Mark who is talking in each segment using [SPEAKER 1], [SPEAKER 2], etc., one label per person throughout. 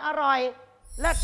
[SPEAKER 1] อร่อยเลิศ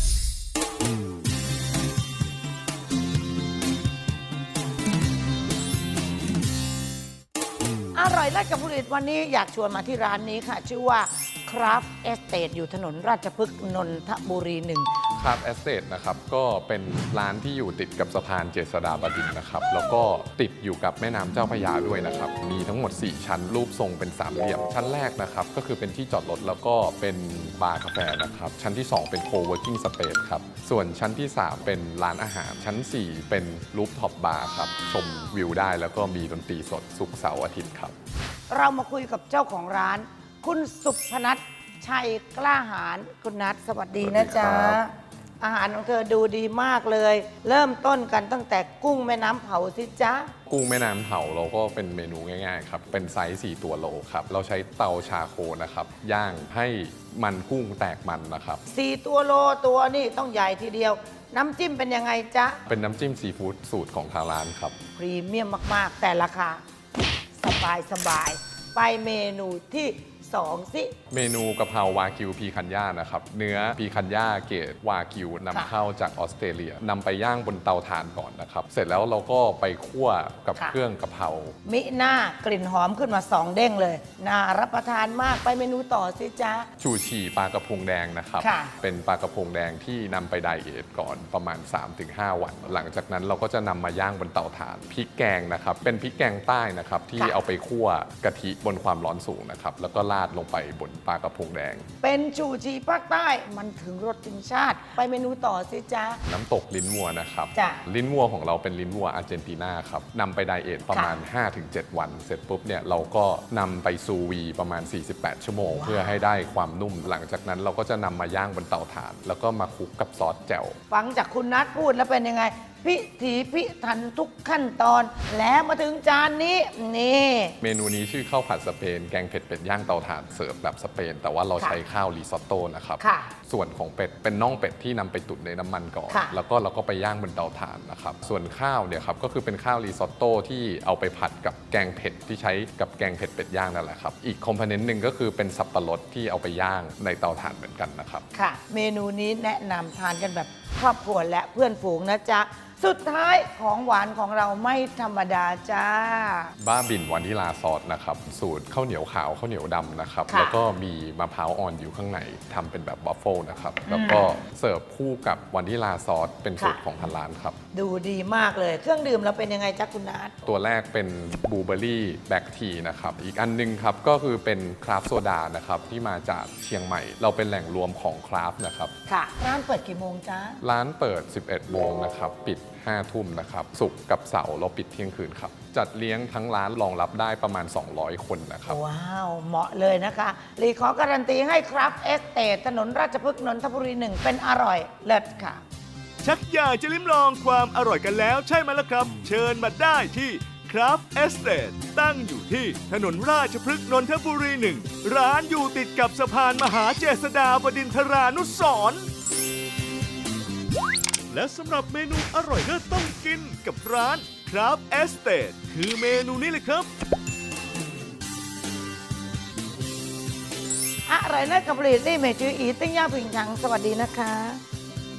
[SPEAKER 1] อร่อยเลิศกับผลิตวันนี้อยากชวนมาที่ร้านนี้ค่ะชื่อว่า Craft Estate อยู่ถนนราชพฤกษ์นนทบุรี1
[SPEAKER 2] Craft Estate นะครับก็เป็นร้านที่อยู่ติดกับสะพานเจษฎาบดินทร์นะครับแล้วก็ติดอยู่กับแม่น้ำเจ้าพระยาด้วยนะครับมีทั้งหมด4ชั้นรูปทรงเป็นสามเหลี่ยมชั้นแรกนะครับก็คือเป็นที่จอดรถแล้วก็เป็นบาร์กาแฟนะครับชั้นที่2เป็น Co-working Space ครับส่วนชั้นที่3เป็นร้านอาหารชั้น4เป็นรูฟท็อปบาร์ครับชมวิวได้แล้วก็มีดนตรีสดศุกร์เสาร์อาทิตย์ครับ
[SPEAKER 1] เรามาคุยกับเจ้าของร้านคุณสุพนัทชัยกล้าหาญคุณนัทสวัสดีนะจ๊ะอาหารของเธอดูดีมากเลย เริ่มต้นกันตั้งแต่กุ้งแม่น้ำเผาสิจ๊ะ
[SPEAKER 2] กุ้งแม่น้ำเผาเราก็เป็นเมนูง่ายๆครับเป็นไซส์4ตัวโลครับเราใช้เตาชาโคนะครับย่างให้มันกุ้งแตกมันนะครับ
[SPEAKER 1] 4ตัวโลตัวนี่ต้องใหญ่ทีเดียวน้ำจิ้มเป็นยังไงจ๊ะ
[SPEAKER 2] เป็นน้ำจิ้มซีฟู้ดสูตรของทางร้านครับ
[SPEAKER 1] พรีเมียมมากๆแต่ราคาสบายไปเมนูที่2สิ
[SPEAKER 2] เมนูกะเพราวากิวพีคันย่านะครับเนื้อพีคันย่าเกรดวากิวนำเข้าจากออสเตรเลียนำไปย่างบนเตาถ่านก่อนนะครับเสร็จแล้วเราก็ไปคั่วกับเครื่องกะเพรา
[SPEAKER 1] มิหน้ากลิ่นหอมขึ้นมา2เด้งเลยน่ารับประทานมากไปเมนูต่อสิจ๊ะ
[SPEAKER 2] ชูชีปลากระพงแดงนะครับเป็นปลากระพงแดงที่นำไปไดเอทก่อนประมาณ 3-5 วันหลังจากนั้นเราก็จะนำมาย่างบนเตาถ่านพริกแกงนะครับเป็นพริกแกงใต้นะครับที่เอาไปคั่วกะทิบนความร้อนสูงนะครับแล้วก็ราดลงไปบนปลากระพงแดง
[SPEAKER 1] เป็นชูชีภาคใต้มันถึงรสถึงชาติไปเมนูต่อสิจ๊ะ
[SPEAKER 2] น้ำตกลิ้นวัวนะครับลิ้นวัวของเราเป็นลิ้นวัวอาร์เจนตินาครับนำไปไดเอทประมาณ 5-7 วันเสร็จปุ๊บเนี่ยเราก็นำไปซูวีประมาณ48 ชั่วโมงเพื่อให้ได้ความนุ่มหลังจากนั้นเราก็จะนำมาย่างบนเตาถ่านแล้วก็มาคลุกกับซอสแจ่ว
[SPEAKER 1] ฟังจากคุณนัทพูดแล้วเป็นยังไงพิถีพิถันทุกขั้นตอนแล้วมาถึงจานนี้นี่
[SPEAKER 2] เมนูนี้ชื่อข้าวผัดสเปนแกงเผ็ดเป็ดย่างเตาถ่านเสิร์ฟแบบสเปนแต่ว่าเราใช้ข้าวริซอตโต้นะครับส่วนของเป็ดเป็นน่องเป็ดที่นำไปตุ๋นในน้ำมันก่อนแล้วก็เราก็ไปย่างบนเตาถ่านนะครับส่วนข้าวเนี่ยครับก็คือเป็นข้าวริซอตโต้ที่เอาไปผัดกับแกงเผ็ดที่ใช้กับแกงเผ็ดเป็ดย่างนั่นแหละครับอีกคอมโพเนนต์หนึ่งก็คือเป็นสับปะรดที่เอาไปย่างในเตาถ่านเหมือนกันนะครับ
[SPEAKER 1] ค่ะเมนูนี้แนะนำทานกันแบบครอบครัวและเพื่อนฝูงนะจ๊ะสุดท้ายของหวานของเราไม่ธรรมดาจ้า
[SPEAKER 2] บ้าบินวานิลาซอสนะครับสูตรข้าวเหนียวขาวข้าวเหนียวดำนะครับแล้วก็มีมะพร้าวอ่อนอยู่ข้างในทำเป็นแบบบัฟเฟิลนะครับแล้วก็เสิร์ฟคู่กับวานิลาซอสเป็นสูตรของทางร้านครับ
[SPEAKER 1] ดูดีมากเลยเครื่องดื่มเราเป็นยังไงจ๊ะคุณนัท
[SPEAKER 2] ตัวแรกเป็นบลูเบอร์รี่แบล็กทีนะครับอีกอันนึงครับก็คือเป็นคราฟต์โซดานะครับที่มาจากเชียงใหม่เราเป็นแหล่งรวมของคราฟต์นะครับ
[SPEAKER 1] ค่ะร้านเปิดกี่โมงจ๊ะ
[SPEAKER 2] ร้านเปิด 11 โมงนะครับปิด5 ทุ่มนะครับศุกร์กับเสาร์เราปิดเที่ยงคืนครับจัดเลี้ยงทั้งร้านรองรับได้ประมาณ200 คนนะครับ
[SPEAKER 1] ว้าวเหมาะเลยนะคะรีขอการันตีให้ครับเอสเตทถนนราชพฤกษ์นนทบุรี1เป็นอร่อยเลิศค่ะ
[SPEAKER 3] ชักอยากจะลิ้มลองความอร่อยกันแล้วใช่ไหมล่ะครับเชิญมาได้ที่ Craft Estate ตั้งอยู่ที่ถนนราชพฤกษ์นนทบุรี1ร้านอยู่ติดกับสะพานมหาเจษฎาบดินทรานุสรณ์และสำหรับเมนูอร่อยเลิศต้องกินกับร้าน Craft Estate คือเมนูนี้เลยครับ
[SPEAKER 1] อร่อยเลิศกับผลิตได้เมจืออีติ้งย่าผิงฉังสวัสดีนะคะ